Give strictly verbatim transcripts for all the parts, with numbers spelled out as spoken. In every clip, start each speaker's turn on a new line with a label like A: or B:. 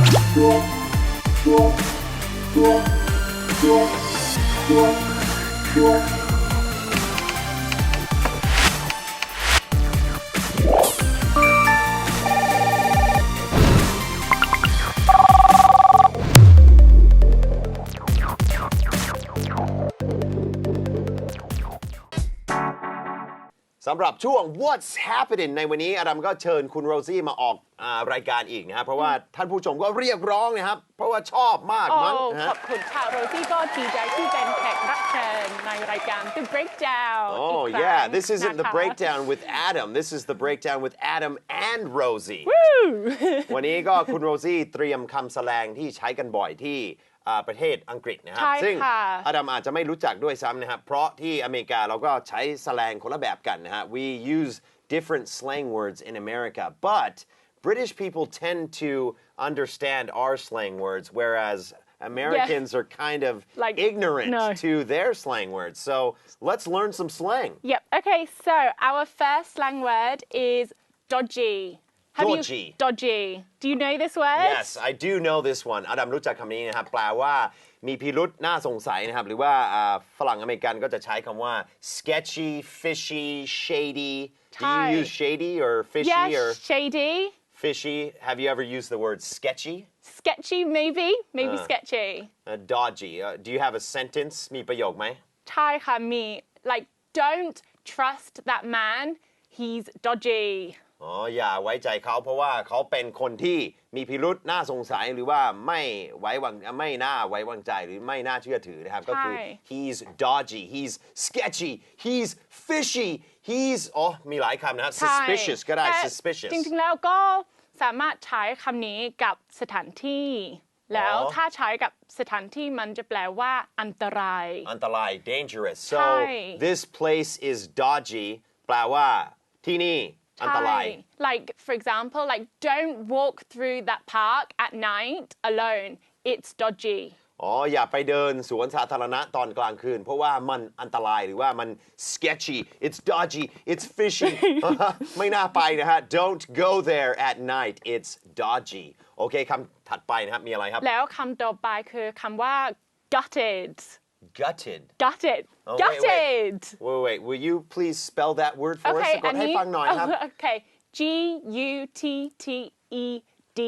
A: สำหรับช่วง What's Happening ในวันนี้อาดัมก็เชิญคุณโรซี่มาออกรายการอีกนะครับเพราะว่าท่านผู้ชมก็เรียกร้องนะครับเพราะว่าชอบมากมั้งนะ
B: ขอบคุณค่ะโรซี่ก็ดีใจที่เป็นแขกรับเชิญในรายการ The Breakdown
A: Oh yeah this isn't the breakdown with Adam this is the breakdown with Adam and Rosie วันนี้ก็คุณโรซี่เตรียมคำแสลงที่ใช้กันบ่อยที่ประเทศอังกฤษนะครับซึ่งอดัมอาจจะไม่รู้จักด้วยซ้ำนะครับเพราะที่อเมริกาเราก็ใช้แสลงคนละแบบกันนะฮะ we use different slang words in America but British people tend to understand our slang words whereas Americans yeah. are kind of like, ignorant no. to their slang words so let's learn some slang
B: Yep okay so our first slang word is dodgy
A: Dodgy.
B: You, dodgy. Do you know this word?
A: Yes, I do know this one. อดัมรู้จักคำนี้นะครับแปลว่ามีพิรุธน่าสงสัยนะครับหรือว่าฝรั่งอเมริกันก็จะใช้คำว่า sketchy, fishy, shady. Do you use shady or fishy
B: yes,
A: or
B: shady.
A: Fishy. Have you ever used the word sketchy?
B: Sketchy, maybe. Maybe uh, sketchy.
A: Uh, dodgy. Uh, do you have a sentence? มีประโยคไหม
B: ใช่ค่ะมี like don't trust that man. He's dodgy.
A: อ๋ออย่าไว้ใจเขาเพราะว่าเขาเป็นคนที่มีพิรุธน่าสงสัยหรือว่าไม่ไว้วางไม่น่าไว้วางใจหรือไม่น่าเชื่อถือนะครับก็คือ he's dodgy he's sketchy he's fishy he's อ๋อมีหลายคำนะครับ suspicious ก็ได้ suspicious
B: จริงๆแล้วก็สามารถใช้คำนี้กับสถานที่แล้วถ้าใช้กับสถานที่มันจะแปลว่าอันตราย
A: อันตราย dangerous so this place is dodgy แปลว่าที่นี่อันตราย
B: like for example like don't walk through that park at night alone it's dodgy
A: อ๋ออย่าไปเดินสวนสาธารณะตอนกลางคืนเพราะว่ามันอันตรายหรือว่ามัน sketchy it's dodgy it's fishy ไม่น่าไปนะฮะ don't go there at night it's dodgy โอเคคำถัดไปนะครับมีอะไรครับ
B: แล้วคำต่อไปคือคำว่า gutted
A: gutted
B: gutted
A: oh,
B: gutted
A: wait, wait. wait wait will you please spell that word for
B: okay,
A: us กดให้ฟังหน่อยครับ
B: okay G U T T E D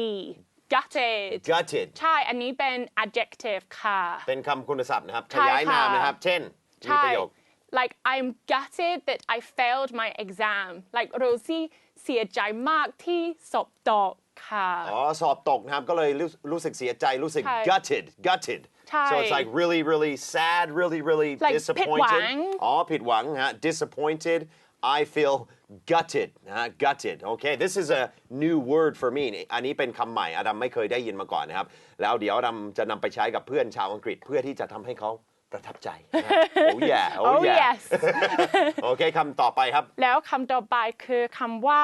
B: gutted
A: gutted
B: ใช่อันนี้เป็น adjective ค่ะ
A: เป็นคำคุณศัพท์นะครับขยายนามนะครับเช่นมีประโยค
B: like I'm gutted that I failed my exam like Rosie เสียใจมากที่สอบตกค่ะ
A: อ๋อสอบตกนะครับก็เลยรู้สึกเสียใจรู้สึก gutted gutted so it's like really really sad really really
B: like
A: disappointed อ๋อผิดหวังฮะ disappointed I feel gutted นะฮะ gutted okay this is a new word for me อันนี้เป็นคำใหม่อดัมไม่เคยได้ยินมาก่อนนะครับแล้วเดี๋ยวอดัมจะนำไปใช้กับเพื่อนชาวอังกฤษเพื่อที่จะทำให้เขาประทับใจ oh yeah oh,
B: oh
A: yeah
B: yes
A: โอเคคำต่อไปครับ
B: แล้วคำต่อไปคือคำว่า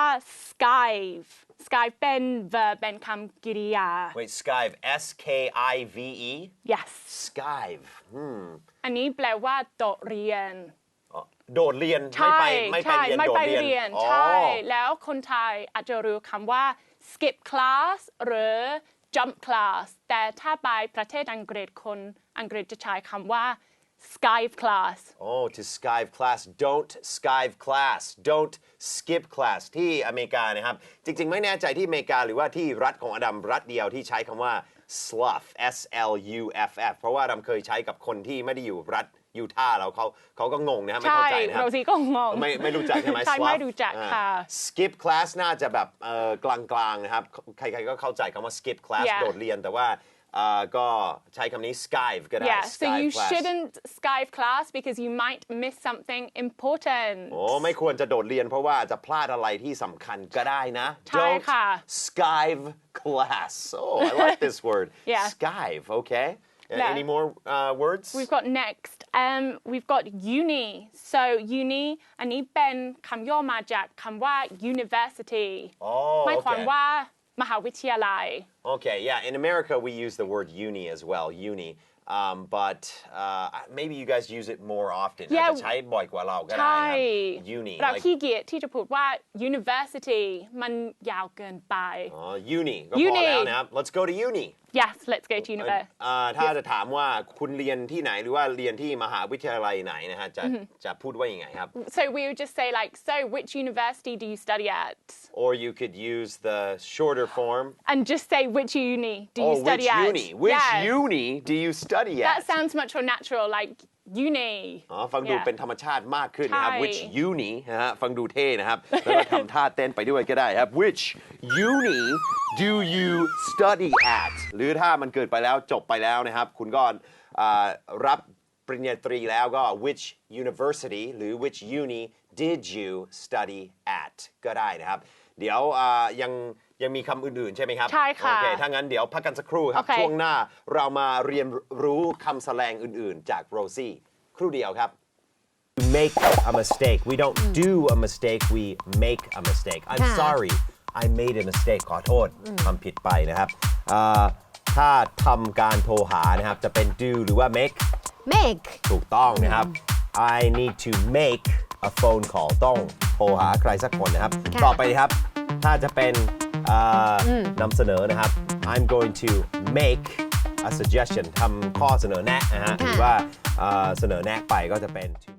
B: skive skive เป็น verb เป็นคำกริยา
A: wait skive S K I V E
B: yes
A: skive
B: อันนี้แปลว่าโดดเรียน
A: โดดเรียนไม่ไปไม่ไปเรียนโดดเรียน
B: ใช่แล้วคนไทยอาจจะรู้คำว่า skip class หรือ jump class แต่ถ้าไปประเทศอังกฤษคนอังกฤษจะใช้คำว่า skive class
A: oh to skive class don't skive class don't skip class ที่อเมริกานะครับจริงๆไม่แน่ใจที่อเมริกาหรือว่าที่รัฐของอดัมรัฐเดียวที่ใช้คำว่า slough S L U F F เพราะว่าอดัมเคยใช้กับคนที่ไม่ได้อยู่รัฐยูทาห์เราเขาเขาก็งงนะครับไม่เข้าใจนะครับ
B: เราสิก็งง
A: ไม่ไม่รู้จักใช่ไหม
B: ใช่ไม่รู้จักค่ะ
A: skip class น่าจะแบบเอ่อกลางๆนะครับใครๆก็เข้าใจคำว่า skip class โดดเรียนแต่ว่าก็ใช้คำนี้ skive ก็ได้
B: yeah so you shouldn't skive class because you might miss something important
A: โอ้ไม่ควรจะโดดเรียนเพราะว่าจะพลาดอะไรที่สำคัญก็ได้นะ
B: don't
A: skive class oh I like this word
B: yeah
A: skive okay any more uh, words
B: we've got next um we've got uni so uni อันนี้เป็นคำย่อมาจากคำว่า university หมายความว่ามหาวิทยาลัย
A: okay yeah in America we use the word uni as well uni um, but uh, maybe you guys use it more often อาจ
B: Yeah
A: จะใช้บ่อยกว่าเราก็ได้
B: ใช่
A: นะครับ uni
B: เรา
A: like
B: ขี้เกียจที่จะพูดว่า university มันยาวเกินไป
A: อ๋อ uni ก็พอ
B: Uni
A: แล้วนะครับ let's go to uni
B: yes let's go to university
A: อ่าถ้าจะถามว่าคุณเรียนที่ไหนหรือว่าเรียนที่มหาวิทยาลัยไหนนะฮะจะจะพูดว่ายังไงครับ
B: so we would just say like so which university do you study at
A: or you could use the shorter form
B: and just say which uni do you
A: oh
B: study
A: which
B: at
A: uni which
B: yeah.
A: uni do you study at
B: that sounds much more natural like uni
A: อ๋อฟังดู
B: Yeah
A: เป็นธรรมชาติมากขึ้นนะครับ
B: ใช่
A: which uni นะฮะฟังดูเท่นะครับ แล้วก็ทำท่าเต้นไปด้วยก็ได้ครับ which uni do you study at หรือถ้ามันเกิดไปแล้วจบไปแล้วนะครับ คุณก็อ่ารับปริญญาตรีแล้วก็ which university หรือ which uni did you study at ก็ได้นะครับ เดี๋ยวอ่ายังยังมีคำอื่นๆใช่ไหมครับ
B: ใช่ค่ะ
A: โอเคถ้างั้นเดี๋ยวพักกันสักครู่ครับ
B: โอเค
A: ช่วงหน้าเรามาเรียนรู้คำแสลงอื่นๆ จากโรซี่ครู่เดียวครับ make a mistake we don't do a mistake we make a mistake I'm
C: ค่ะ
A: sorry I made a mistake ขอโทษทำผิดไปนะครับอ่าถ้าทำการโทรหานะครับจะเป็น do หรือว่า make
C: make ถู
A: ถูกต้องนะครับ I need to make a phone call ต้องโทรหาใครสักคนนะครับ
C: ค่ะ
A: ต่อไปครับ ถ้าจะเป็นอ่านำเสนอนะครับ I'm going to make a suggestion ทำข้อเสนอแนะนะฮะหรือว่าอ่าเสนอแนะไปก็จะเป็น to